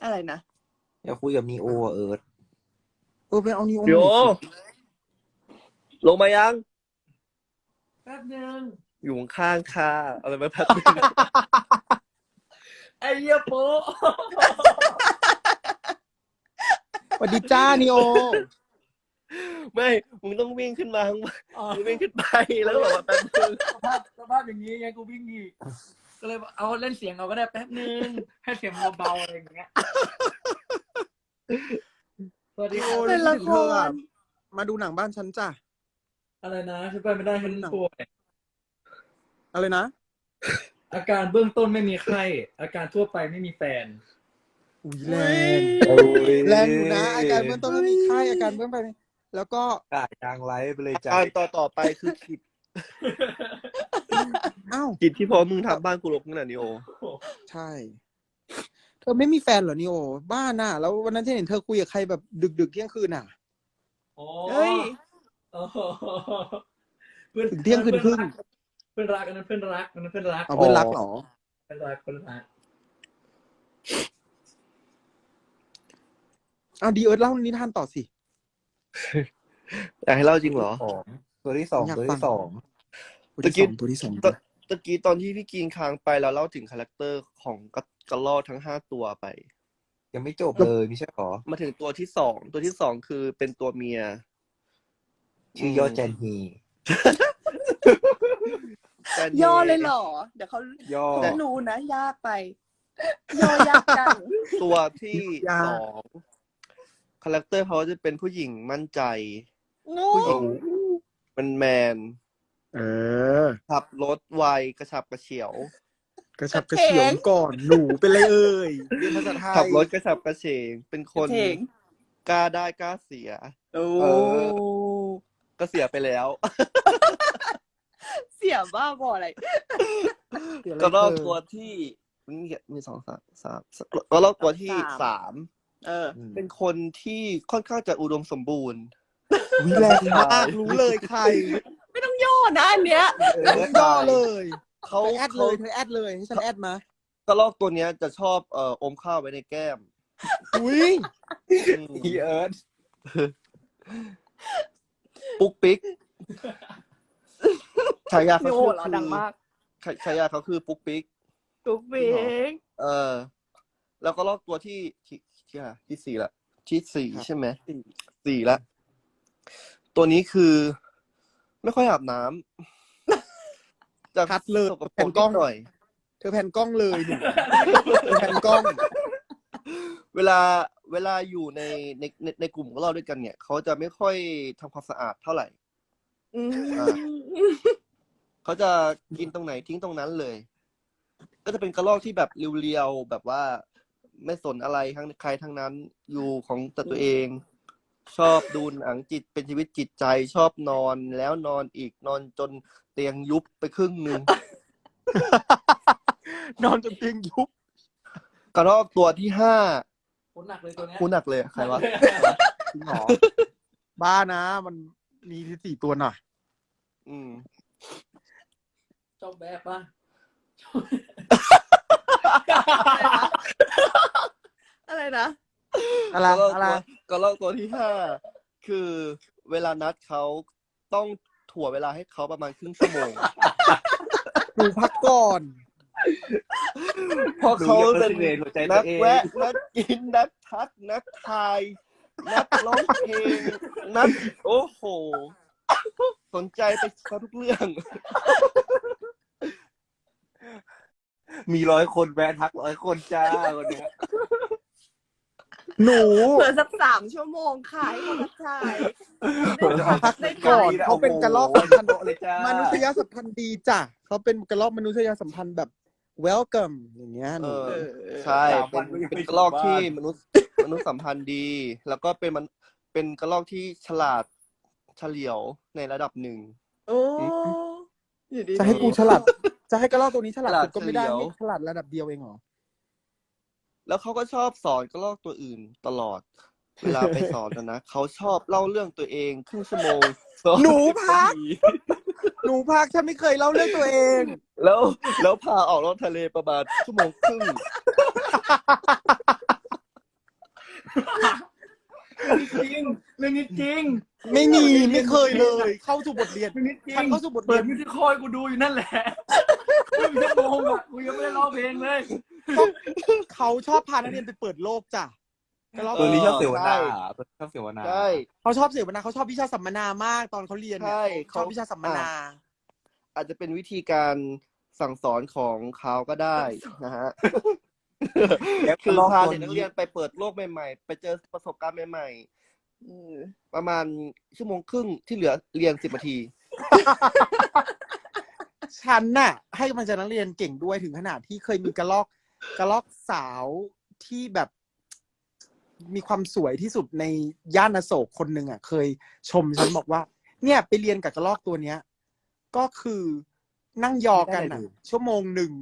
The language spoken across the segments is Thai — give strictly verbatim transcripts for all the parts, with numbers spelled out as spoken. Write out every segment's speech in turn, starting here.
อะไรนะอยากคุยกับนีโอเอิร์ธเออไปเอานีโอโยลงมายังแป๊บนึงอยู่ข้างค่ะอะไรมาแป๊บนึงไอ้เหี้ยโป๊ะสวัสดีจ้านีโอไม่มึงต้องวิ่งขึ้นมาข้างบนมึงวิ่งขึ้นไปแล้วก็บอกว่าแป๊บนึงสภาพสภาพอย่างนี้ไงกูวิ่งอีกก็เลยเอาเล่นเสียงเอาก็ได้แป๊บนึงให้เสียงเบาๆอะไรอย่างเงี้ยสวัสดีครับเป็นละครมาดูหนังบ้านฉันจ้ะอะไรนะฉันไปไม่ได้ฉันป่วยอะไรนะอาการเบื้องต้นไม่มีไข้อาการทั่วไปไม่มีแฟนอุ้ยแรงแรงอยู่นะอาการเบื้องต้นไม่มีไข้อาการเบื้องไปแล้วก็กาดยางไลฟ์ไปเลยจ้ะอ่านต่อต่อไปคือคิดอ้าวคิดที่พอมึงทำบ้านกูรกขนาดนี้โอใช่ เธอไม่มีแฟนเหรอนีโอบ้าน่ะแล้ววันนั้นที่เห็นเธอคุยกับใครแบบดึกๆเที่ยงคืนน่ะโอ้เฮ้ยโอ้เพื่อนถึงเที่ยงคืนครึ่งเพื่อนรักอันนั้นเพื่อนรักอันนั้นเพื่อนรักเอาเพื่อนรักเหรอเพื่อนรักเพื่อนรักเอาดีเอิร์ธเล่านิทานต่อสิอยากให้เล่าจริงเหรอสองตัวที่สองอยากตัวฟังที่สองตัวที่สองตัวที่สองตะตะกี้ตอนที่พี่กินค้างไปแล้วเล่าถึงคาแรคเตอร์ของกระกระรอกทั้งห้าตัวไปยังไม่จบเลยไม่ใช่หรอมาถึงตัวที่สองตัวที่สองคือเป็นตัวเมียชื่อยอดแจนฮีแต่ย่อเลยเหรอ เดี๋ยวเขาย่อเขาจะรู้นะ ยากไป ย่อยากจังตัวที่สองคาแรคเตอร์เขาจะเป็นผู้หญิงมั่นใจงูผู้หญิงมันแมนเออขับรถไวกระฉับกระเฉียวกระชับกระเฉียงก่อนหนูเป็นไรเอ่ยเรียนภาษาไทยขับรถกระฉับกระเฉงเป็นคนเถ่งกล้าได้กล้าเสียโอ้เอ ก็เสียไปแล้วเสียบ้าบออะไรกระรอกตัวที่มีมีสองสามสามกระรอกตัวที่สามเออเป็นคนที่ค่อนข้างจะอุดมสมบูรณ์วิแรงมากรู้เลยใครไม่ต้องย่อนะอันเนี้ยต้องย่อเลยเขาเธอแอดเลยเธอแอดเลยให้ฉันแอดมากระรอกตัวเนี้ยจะชอบเอ่ออมข้าวไว้ในแก้มอุ้ยอืมอีเอิร์ธปุ๊กปิ๊กฉายาเขาโอ้คือเราดังมากฉายาเขาคือปุ๊กปิ๊กตุ๊กเบ้งเออ แล้วก็ลอกตัวที่ที่ที่อะไรที่สี่ละที่สี่ใช่ไหมสี่ละตัวนี้คือ ไม่ค่อยอาบน้ำจะคัดเลยสกปรแผ่นกกล้นิองดหน่อยเธอแผ่นกล้องเลยหนูเธอแผ่นกล้องเวลาเวลาอยู่ในในในในกลุ่มของเราด้วยกันเนี่ย เขาจะไม่ค่อยทำความสะอาดเท่าไหร่อืมอ่า เขาจะกินตรงไหนทิ้งตรงนั้นเลย ก็จะเป็นกระรอกที่แบบเรียวๆแบบว่าไม่สนอะไรทั้งใครทั้งนั้นอยู่ของแต่ตัวเอง ชอบดูหนังจิตเป็นชีวิตจิตใจชอบนอนแล้วนอนอีกนอนจนเตียงยุบไปครึ่งหนึ่งนอนจนเตียงยุบกระรอกตัวที่ห้าคนหนักเลยตัวเนี้ยคูหนักเลยใครวะจริงเหรอบ้านะมันมีที่สี่ตัวน่ะอืมชอบแบบป่ะอะไรนะอะไรกระรอกอะไรตัวกระรอกตัวที่ห้าคือเวลานัดเขาต้องถั่วเวลาให้เขาประมาณครึ่งชั่วโมงหนูพักก่อนเพราะเขาเป็นดูยัง หัวใจตันัวกเองแวะนักกินนักทักนักทายนักร้องเพลงนักโอ้โห สนใจไปทุกเรื่องมีร้อยคนแวะทักร้อยคนจ้าคนเนี้ยหนูเผื่อสักสามชั่วโมงขายเขาทักทายพักได้ก่อนก่อนเขาเป็นกระรอกสัมพันธ์เลยจ้ามนุษยสัมพันธ์ดีจ้ะเขาเป็นกระรอกมนุษยสัมพันธ์แบบ welcome อย่างเงี้ยหเอนูอเออใช่เป็นเป็นกระรอกที่มนุษย์มนุษย์สัมพันธ์ดี แล้วก็เป็นมันเป็นกระรอกที่ฉลาดเฉลียวในระดับหนึ่งโอ้อยู่ดีๆจะให้กูฉลาดจะให้กระรอกตัวนี้ฉลาดฉลาดสุดก็ไม่ได้เฉลียวให้ฉลาดระดับเดียวเองเหรอแล้วเขาก็ชอบสอนกระรอกตัวอื่นตลอด เวลาไปสอนนะนะเขาชอบเล่าเรื่องตัวเองครึ่งชั่วโมงสอหนูพัก หนูพักฉันไม่เคยเล่าเรื่องตัวเองแล้วแล้วพาออกรถทะเลประมาณชั่วโมงครึ่งจริงไม่มีไม่เคยเลย เข้าสู่บทเรียนชีวิตจริฉันงเข้าสู่บทเปิเรียดนมิวสิคอยกูดูอยู่นั่นแหละครึ่งชั่วโมงอ่ะกูยังไม่ได้ร้องเพลงเลยเขาชอบพานักเรียนไปเปิดโลกจ้ะกระรอกตัวนี้ชอบเสวนาใช่ตัวนี้ชอบเสวนาใช่เขาชอบเสวนาเขาชอบวิชาสัมมนามากตอนเขาเรียนเนี่ยใช่ชอบวิชาสัมมนาอาจจะเป็นวิธีการสั่งสอนของเขาก็ได้นะฮะแล้วคือรอบพาตัวเด็กนักนี้เรียนไปเปิดโลกใหม่ๆ ไปเจอประสบการณ์ใหม่อืมๆ ประมาณชั่วโมงครึ่งที่เหลือเรียนสิบนาทีฉันน่ะ ให้กำลังใจนักเรียนเก่งด้วยถึงขนาดที่เคยมีกระลอกกระลอกสาวที่แบบมีความสวยที่สุดในย่านอโศกคนหนึ่งอ่ะ เคยชมฉันบอกว่า เนี่ยไปเรียนกับกระลอกตัวเนี้ย ก็คือนั่งยอกันอ่ะ ชั่วโมงหนึ่ง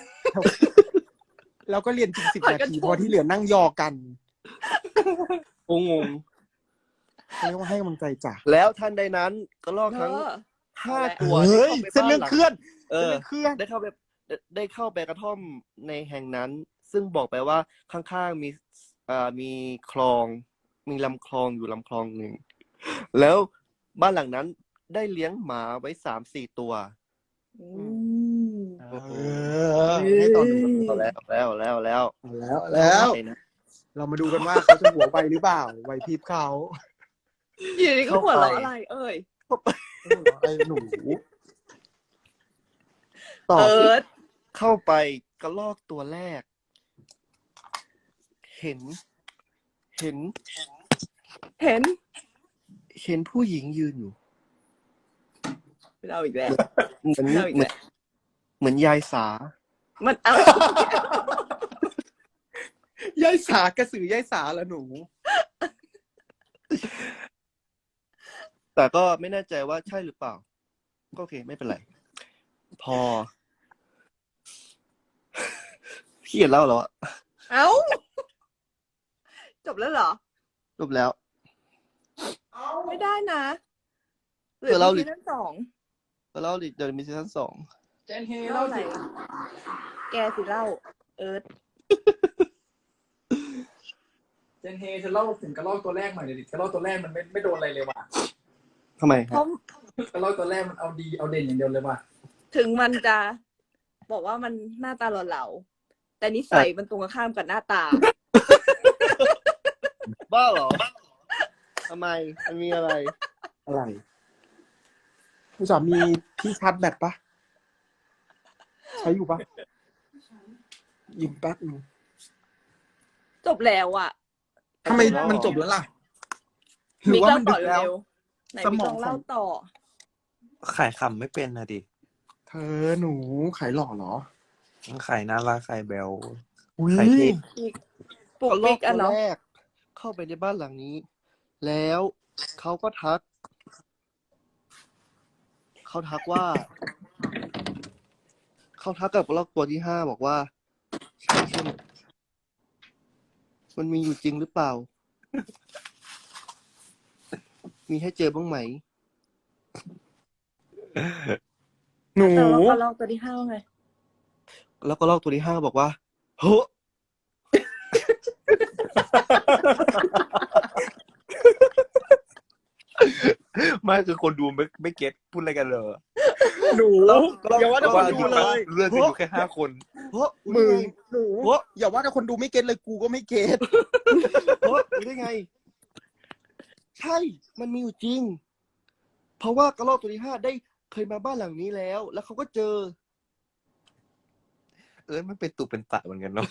แล้วก็เรียนจริงสิบนาทีเพราะที่เหลือนั่งยอกันงงเรียกว่าให้กำลังใจจ้ะๆ แล้วทันใดนั้นกระรอกเธทั้งอห้าตัวเฮ้ยได้เส้นเข้าเรื่องไปเคลื่อนเอเส้นอเรื่องเคลื่อนได้เข้าไปได้ได้เข้าไปกระท่อมในแห่งนั้น ซึ่งบอกไปว่าข้างๆมีอ่ามีคลอง มีลำคลองอยู่ลำคลองหนึ่ง แล้วบ้านหลังนั้นได้เลี้ยงหมาไว้สามสี่ตัวอืมเออให้ตอนดูเอาแล้วแล้วแล้วแล้วเอาแล้วแล้วไปนะเรามาดูกันว่าเขาจะหัวไวหรือเปล่าไวพริบเขาอยู่ดีก็หัวเราะอะไร เอ่ยไอ้หนูต่อเอิสิร์ธเข้าไปกระลอกตัวแรก เห็น เห็นเห็นเห็นผู้หญิงยืนอยู่เราอีกแล้วเหมือนเอาอีกเหมืแล้อนวเหมือนยายสามันเอายายสากระสือยายสาละหนูแต่ก็ไม่แน่ใจว่าใช่หรือเปล่า ก็โอเคไม่เป็นไร พอ พี่เห็นเล่าแล้วอะเอ้า จบแล้วเหรอจบแล้วไม่ได้นะหรืเดี๋ยวเราซีซั่นสองเล่าดิเดี๋ยวมีซีซั่นสองเจนเฮเล่าเล่าอะไรสิแกสิเล่า เอิร์ธเจนเฮจะเล่าถึงกระรอกตัวแรกหน่อยเดี๋ยวดิกระรอกตัวแรกมันไม่ไม่โดนอะไรเลยว่ะทำไมเพฮะราะกระรอกตัวแรกมันเอาดีเอาเด่นอย่างเดียวเลยว่ะถึงมันจะบอกว่ามันหน้าตาหล่อๆแต่นิสัยมันตรงกันข้ามกับหน้าตาบ้าเหรอทำไมมันมีอะไรอะไรผู้สามีที่ชาร์จแบตปะใช้อยู่ปะยิงแป๊บนึงจบแล้วอ่ะทำไมมันจบแล้วล่ะหรือว่ามันดึกแล้วเร็วๆไหนสมิมกองลองเล่าต่อขายคำไม่เป็นนะดิเธอหนูขายหล่อเหรอขายน่ารักขายแบลอุ้ยขายเท่ปลุกกระลปิอกกอ่ะตัวเนาะแรก เข้าไปในบ้านหลังนี้ แล้วเขาก็ทัก เขาทักว่า เขาทักกับกระลอกตัวที่ห้าบอกว่าใช่ใช่ไหมมันมีอยู่จริงหรือเปล่า มีให้เจอบ้างไหมหนูแต่ว่ากระลอกตัวที่ห้าว่าไงแล้วก็ลอกตัวที่ห้าบอกว่าเฮ้อไม่คือคนดูไม่ไม่เก็ตพูดอะไรกันเลยหนูอย่าว่าแต่คนดูเลยเรื่องกันอยู่แค่ห้าคนเฮ้อมึรู้งได้ไงหนูเฮ้ออย่าว่าแต่คนดูไม่เก็ตเลยกูก็ไม่เก็ตเฮ้อรู้ได้ไง ใช่ มันมีอยู่จริง เพราะว่ากระรอกตัวที่ห้าได้เคยมาบ้านหลังนี้แล้ว แล้วเขาก็เจอเออมันเป็นตุเป็นตะเหมือนกันเนาะ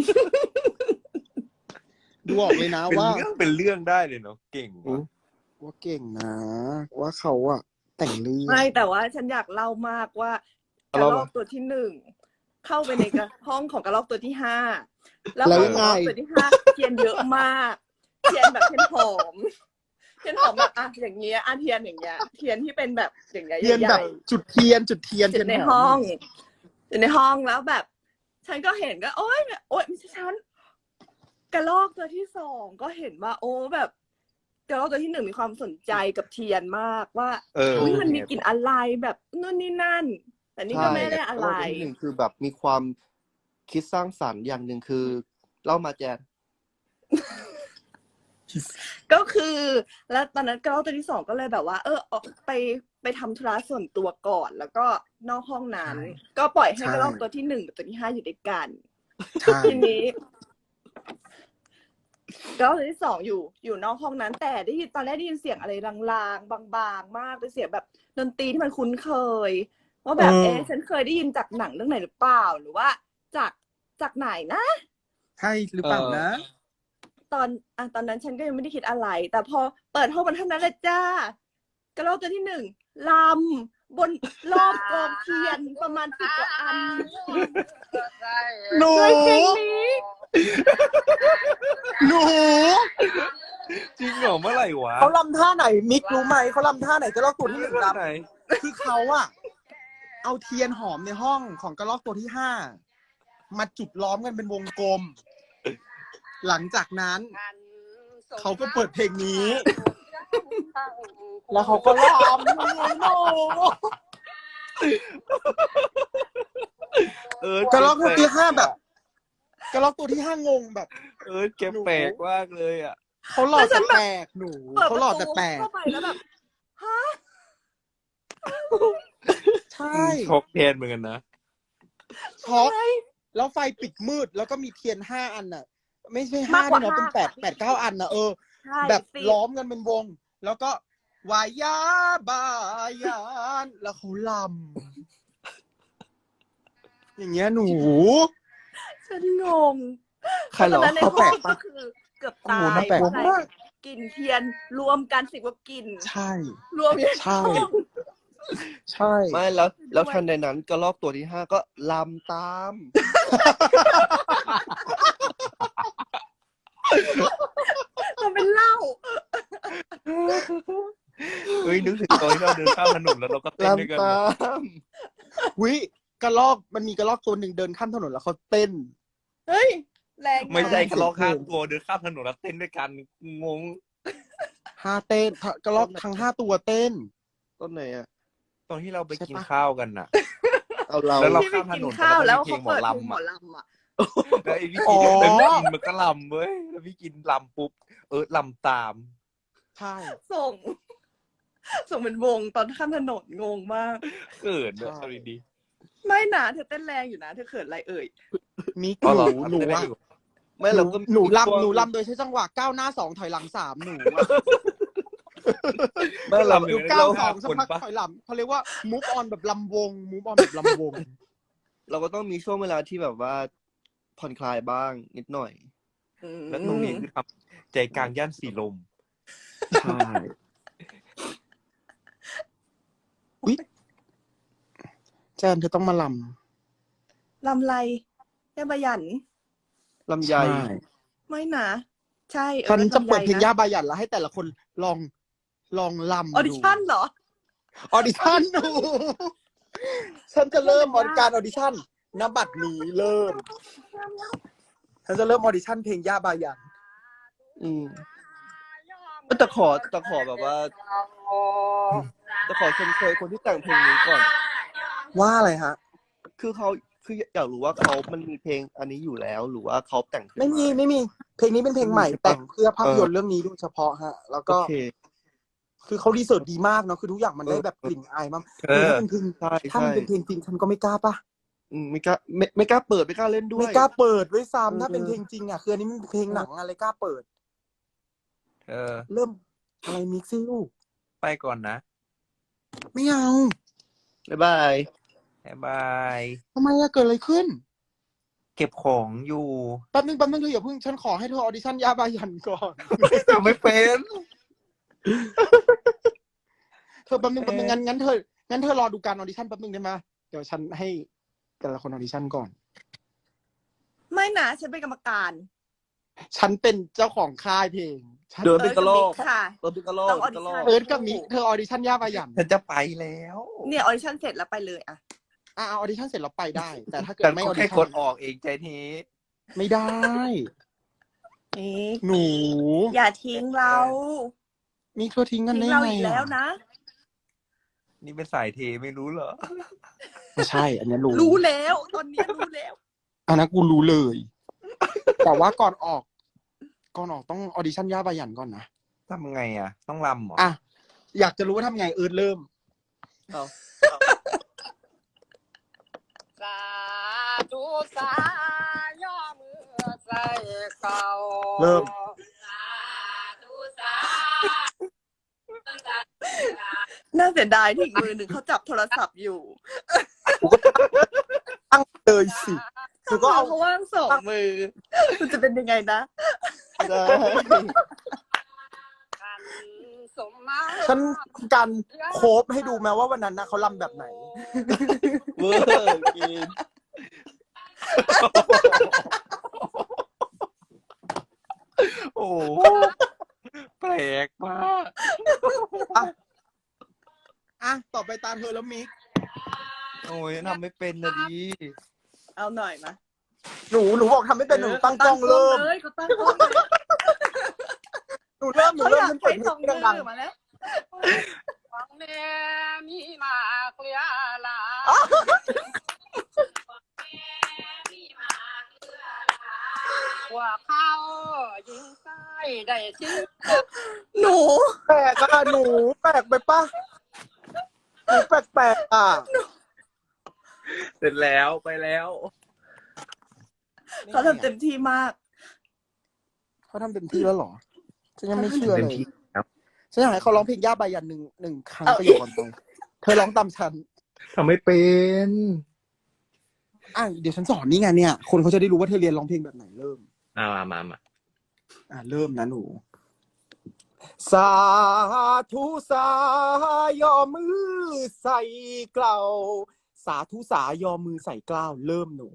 ดูออกเลยนะเป็นว่าเรื่องเป็นเรื่องได้เลยเนาะเก่งว่ะว่าเก่งนะ ว่าเขาอะแต่งเรื่องไม่แต่ว่าฉันอยากเล่ามากว่ากระรอกตัวที่หนึ่งเข้าไปในกระห้องของกระรอกตัวที่ห้าแล้วของกระรอกตัวที่ห้าเทียนเยอะมากเทียนแบบเทียนหอมเทียนหอมแบบอ่ะอย่างเงี้ยอ่ะเทียนอย่างเงี้ยเทียนที่เป็นแบบอย่างเงี้ยเทียนใหแบญ่บจุดเทียนจุดเทียนๆอยู่ในเทียมห้องอยู่ในห้องแล้วแบบ ฉันก็เห็นก็ โอ๊ยโอ๊ยไม่ใช่ฉันกระรอกตัวที่สองก็เห็นว่า โอ้แบบกระรอกตัวที่หนึ่งมีความสนใจกับเทียนมากว่าเอออุ๊ยมันมีกลิ่นอะไรแบบนู่นนี่นั่น แต่นี่ก็ไม่ได้อะไรกรอกตัวที่หนึ่งคือแบบมีความคิดสร้างสรรค์อย่างหนึ่งคือเล่ามาแจนก็คือ แล้วตอนนั้นกระรอกตัวที่สองก็เลยแบบว่า เออออกไปไปทำธุระส่วนตัวก่อน แล้วก็นอกห้องนั้นใช่ก็ปล่อยให้ใช่กระรอกตัวที่หนึ่งกับตัวที่ห้าอยู่ด้วยกันใช่ทีนี้กระรอกตัวที่สองอยู่ อยู่นอกห้องนั้น แต่ได้ยินตอนแรกได้ยินเสียงอะไรลางๆ บางๆ มากเป็นเสียงแบบดนตรีที่มันคุ้นเคย ว่าแบบ เอ๊ะ ฉันเคยได้ยินจากหนังเรื่องไหนหรือเปล่า หรือว่าจากจากไหนนะใช่หรือเปล่านะตอนอ่ะตอนนั้นฉันก็ยังไม่ได้คิดอะไร แต่พอเปิดห้องมันเท่านั้นแหละจ้ากระรอกตัวที่หนึ่งลำบนรอบกองเทียนประมาณสิบกว่าอันหนูด้วยเพลงนี้หนูจริงเหรอเมื่อไหร่วะเขาลำท่าไหนมิกรู้ไหมเขาลำท่าไหนกระรอกตัวที่หนึ่งลไหนำคือเขาอะเอาเทียนหอมในห้องของกระรอกตัวที่ห้ามาจุดล้อมกันเป็นวงกลม หลังจากนั้น เขาก็เปิดเพลงนี้ แล้วเขาก็ลำหนูหนูเออกระรอกตัวที่ห้าแบบกระรอกตัวที่ห้างงแบบเออแกแปลกมากเลยอ่ะเขาหล่อแล้วฉัแต่นแบบแปลกหนูเปิดเขาประหล่อตูแต่แปลกเข้าไปแล้วแบบฮะใช่ช็อกแทนเหมือนกันนะช็อกแล้วไฟปิดมืดแล้วก็มีเทียนห้าอันน่ะ ไม่ใช่ห้ามากกว่าด้วยเนาะเป็นห้าแปดค่ะแปดเก้าอันน่ะเออใช่แบบสิล้อมกันเป็นวง แล้วก็วายาบายานแล้วเขาลำอย่างเงี้ยหนูฉันงงใครเหรอตอนนั้นในเขาห้แปลองกปะก็คือเกือบโอ้ตาโหยน่าแปลกเพราะอะไรมากกลิ่นเทียนรวมกันสิบกว่ากลิ่นใช่รวมอยู่ในใช่ห้องใช่ไม่แล้ว แล้วทันใดนั้นกระรอกตัวที่ห้าก็ลำตามทำเป็นเหล้าเฮ้ยนึกถึงตอนที่เราเดินข้ามถนนแล้วเราก็เต้นด้วยกันลำตามวิกระลอกมันมีกระลอกตัวหนึ่งเดินข้ามถนนแล้วเขาเต้นเฮ้ย แรงไม่ใช่ากกระลอกข้ามตัวเดินข้ามถนนแล้วเต้นด้วยกันงงห้าเต้นกระลอกทั้งห้าตัวเต้นต้นไหนอ่ะตอนที่เราไปใช่กินปะข้าวกันน่ะเอาเราแล้วเราที่ไปกินข้าวแล้วเขาเปิดเพลงหมอลำอ่ะแล้วไอ้พี่อ๋กิอนแล้วพี่กินมันก็ลำเว้ยแล้วพี่กินลำปุ๊บเออลำตามใช่ส่ง ส่งเป็นวงตอนข้ามถนนงงมากเกิดเลยเอาดีไม่นะเธอเต้นแรงอยู่นะ เธอเขินอะไรเอ่ยมิกๆอ๋อหเหรอนูหนูเต้นได้อะอยู่ไม่หเรานูก็หนูช่วงลำหนูลำโดยใช้จังหวะก้าวหน้าสองถอยหลังสามหนูอะไม่เราหนูก้าวสองสักพักถอยหลังเขาเรียกว่า move on แบบลำวง move on แบบลำวงเราก็ต้องมีช่วงเวลาที่แบบว่าผ่อนคลายบ้างนิดหน่อยแล้วตรงนี้คือทำใจกลางย่านสีลมใช่อุ๊ยแจนเธอต้องมาลลำไรแย่บายันลำำไยไม่นะใช่ออฉันจะเปิดเพลงำไยย่านะบายันแล้วให้แต่ละคนลองลองลำออดิชั่นเหรอออดิชั่นดู ฉันจะเริ่มออการออดิชั่นนบัตรนี้เริ่ม ฉันจะเริ่มออดิชั่นเพลงย่าบายันอืมแต่ขอแต่ขอแบบว่าจะขอชมเชยคนที่แต่งเพลงนี้ก่อนว่าอะไรฮะคือเขาคืออยากรู้ว่าเขามันมีเพลงอันนี้อยู่แล้ว หรือว่าเขาแต่งขึ้นไม่มีาไม่มี เพลงนี้เป็นเพลงใหม่ใช่ปะแต่งเพื่อภาพยนตเอร์อเรื่องนี้โดยเฉพาะฮะ แล้วโอก็เคคือเขารีเสิร์ชดีมากเนาะคือทุกอย่างมันได้แบบกลิ่นอายมากเออคือถ้าเป็นเพลงใช่ถ้ามันใช่เป็นเพลงจริงฉันก็ไม่กล้าปะอืมไม่กล้าไม่ไม่กล้าเปิดไม่กล้าเล่นด้วยไม่กล้าเปิดด้วยเออซ้ำถ้าเป็นเพลงจริงอ่ะคืออันนี้มันเป็นเพลงหนังอะไรกล้าเปิดเออเริ่มอะไรมิกซี่ลูกไปก่อนนะไม่เอาบ๊ายบายบ๊ายบายทำไมอะเกิดอะไรขึ้นเก็บของอยู่แป๊บนึงแป๊บนึงเธออย่าเพิ่งฉันขอให้เธอออดิชั่นยาบายันก่อนแต่ไม่เป็นเธอแป๊บนึงแป๊บนึงงั้นงั้นเธองั้นเธอรอดูการออดิชั่นแป๊บนึงได้ไหมเดี๋ยวฉันให้แต่ละคนออดิชั่นก่อนไม่นะฉันเป็นกรรมการฉันเป็นเจ้าของค่ายเพลงฉันเดินเป็นกระโหลกเอิร์ธกับมิค่ะเดินเป็นกระโหลกต้องเป็นกระโหลก audition เอิร์ธกับมิกเธอออดิชั่นยาบายันฉันจะไปแล้วเนี่ยออดิชั่นเสร็จแล้วไปเลยอะอ่ะเอาออดิชั่นเสร็จเราไปได้ แต่ถ้าเกิดแต่ไม่อก็อดิแค่ชั่กนดออกเองใจทีไม่ได้นี่หนูอย่าทิ้งเรามีเธอทิ้งกันทิ้งได้เราไงอีกแล้วนะนี่เป็นสายเทไม่รู้เหรอไม่ใช่ อันนี้รู้รู้แล้วตอนนี้รู้แล้วอันนั้นกูรู้เลย แต่ว่าก่อนออกก่อนออกต้องออดิชั่นย่าบายันก่อนนะทำไงอ่ะ ต้องรำเหรออ่ะอยากจะรู้ว่าทำไงเอิร์ธเริ่มเอาสาธุสาย่อมือใส่เก่าเริ่มสาธุสาน่าเสียดายที่อีกมือหนึ่งเขาจับโทรศัพท์อยู่ตั้งเลยสิคือก็ก็เอาเอาเขาว่างสองมือมันจะเป็นยังไงนะได้ขันสมมาฉันการโคฟให้ดูแม้ว่าวันนั้นนะเขาลำแบบไหนเวอร์กินโอ้โหแปลกมากอ่ะต่อไปตามเธอแล้วมิกโอ้ยทำไม่เป็นนะดิเอาหน่อยมาหนูหนูบอกทำไม่เป็นหนูตั้งกล้องเริ่มเลยเขาตั้งกล้องเลยหนูเริ่มหนูเขาเริ่อมยากฉันเปิใช้ดสองเพลมืงดังอมาแล้วฟังแม่มีมาเกลียลาว่าเขายิงใส่ได้ชื่อหนูๆแปลกอะหนูแปลกไปปะหนูแปลกๆอ่ะเสร็จแล้วไปแล้วเขาทำเต็มที่มากเขาทำเต็มที่แล้วเหรอฉันยังไม่เชื่อเต็เลมยที่ครับฉันอยากให้เขาร้องเพลงย่าบายันหนึ่งหนึ่งครั้งเอาประโยคก่อนไปเธอร้องตามฉันทำไม่เป็นอ่ะเดี๋ยวฉันสอนนี่ไงเนี่ย คนเขาจะได้รู้ว่าเธอเรียนร้องเพลงแบบไหนเริ่มอ่ามามามาอ่ะเริ่มนะหนู สาธุสายอมือใส่เกลาสาธุสายอมือใส่เกล้าวเริ่มหนู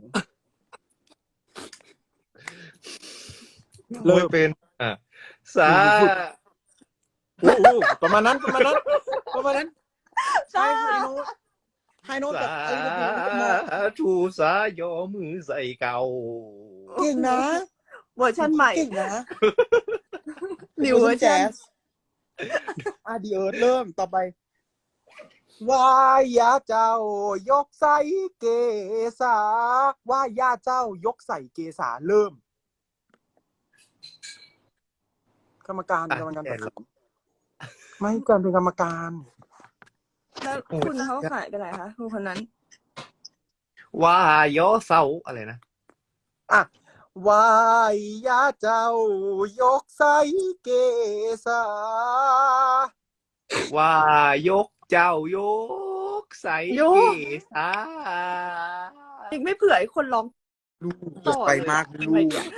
เริ่ไม่มเป็น อ่ะสาโอ้โหประมาณนั้นประมาณนั้นประมาณนั้นใช่ไฮโน้ตไฮโน้ตสาแบบอะไรแบบนี้ธุสายอมือใส่เก่าเก่งนะเวอร์ชันใหม่เก่งนะนิวเวอร์ชันอ่ะดีเอิร์ธเริ่มต่อไปวายาเจ้ายกใส่เกษาว่ายาเจ้ายกใส่เกษาเริ่ม กรรมการอ่ะกรรมการแกตัดนสินไม่การเป็นกรรมการแล้วคุณเขาขายไปไหนคะคุณคนนั้นว่ายอเสาอะไรนะอ่ะวายาเจ้ายกใส่เกษาว่ายกเจ้ายกใส่เกษาอีกไม่เผื่อให้คนร้องลูกต่อไปเลยมากทำลูไมกเนี่ย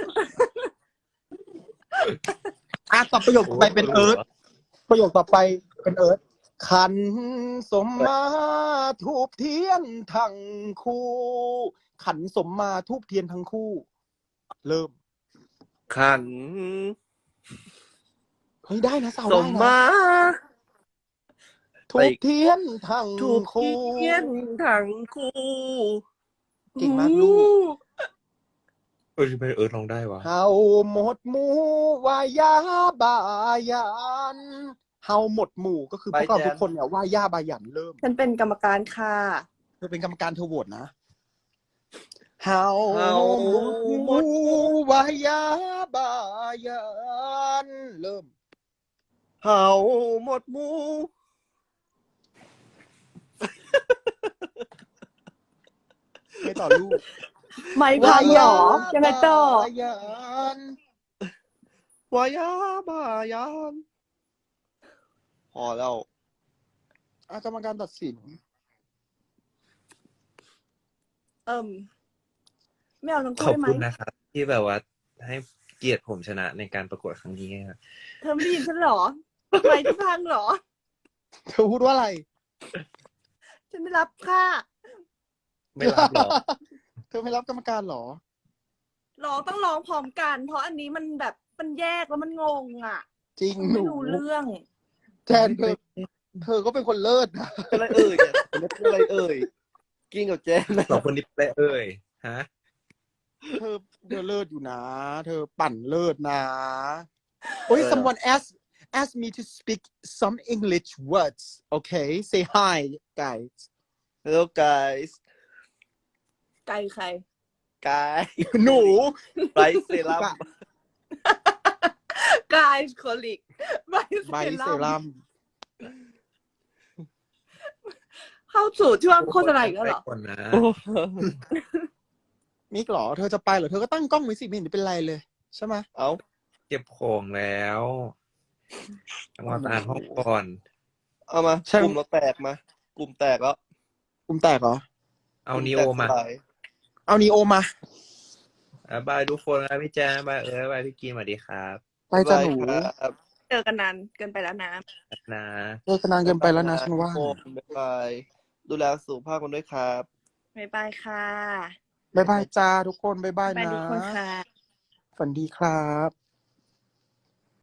อ่ะต่อประโยคต่อไปเป็นเอิร์ธประโยคต่อไปเป็นเอิร์ธขันสมมาทูบเทียนทั้งคู่ ขันสมมาทูบเทียนทั้งคู่ เริ่มขันเฮ้ยได้นะสาวสได้มนะมาทูบเทียนทั้งถูกคู่เทียนทั้งคู่เก่งมากลูกเออทำไมเออลองได้วะเฮาหมดหมู่วายาบายันเฮาหมดหมู่ก็คือพวกเราทุกคนเนี่ยว่ายาบายันเริ่มฉันเป็นกรรมการค่ะเธอเป็นกรรมการเธอโหวตนะเฮาเฮาหมดหมู่วายาบายันเริ่มเฮาหมดหมูไม่ต่อลูกไม่พังเหรอ ยังไงต่อบายันวายาบายันพอแล้วอ่ะกรรมการตัดสินเอิ่มไม่เอาทั้งขคู่อบได้ไหมคุณนะครับ ที่แบบว่าให้เกียรติผมชนะในการประกวดครั้งนี้ครับเธอไม่ได้ยินฉันเหรอไม่ที่พังเหรอเธอพูดว่าอะไรฉันไม่รับค่ะไม่รับหรอกเธอไม่รับกรรมการเหรอร้องต้องร้องพร้อมกัน เพราะอันนี้มันแบบมันแยกแล้วมันงงอ่ะจริงหไม่นูรู้เรื่องแทนเธอ เธอก็เป็นคนเลิศนะอะไรเอ่ยเนี่ยเป็นอะไรเอ่ยกิ้งกับแจนนะสองคนนี้ไปเอ่ยฮะเธอเธอเลิศอยู่นะ เธอปั่นเลิศนะโอ้ย someone asked asked me to speak some English words okay say hi guys Hello guys ไกลใครกายหนูไรเซรั่มกายโคลิกไบไบเซเซรั่รั่มมเข้าสู่ช่วงโฆษณาอีกแล้วไปเหรอก่อนนะมิกเหรอเธอจะไปเหรอเธอก็ตั้งกล้องไว้สิไม่เห็นจะเป็นไรเลยใช่ไหมเอาเก็บของแล้วมาอ่านห้องก่อนเอามากลุ่มเราแตกมากลุ่มแตกแล้วกลุ่มแตกเหรอเอานีโอมากลุ่แตกสลยเอานีโอมาอ่ะบายทุกคนนะพี่แจ๊บายเออบายพี่กีนสวัสดีครับไปจ้ะหนูครับเจอกันนานเกินไปแล้วนะนะเลิกกันนานเกินไปแล้วนะฉันว่าโอ้บ๊ายบายดูแลสุขภาพกันด้วยครับบ๊ายบายค่ะบ๊ายบายจ้าทุกคนบ๊ายบายบ๊ายบายนะทุกคนค่ะฝันดีครับ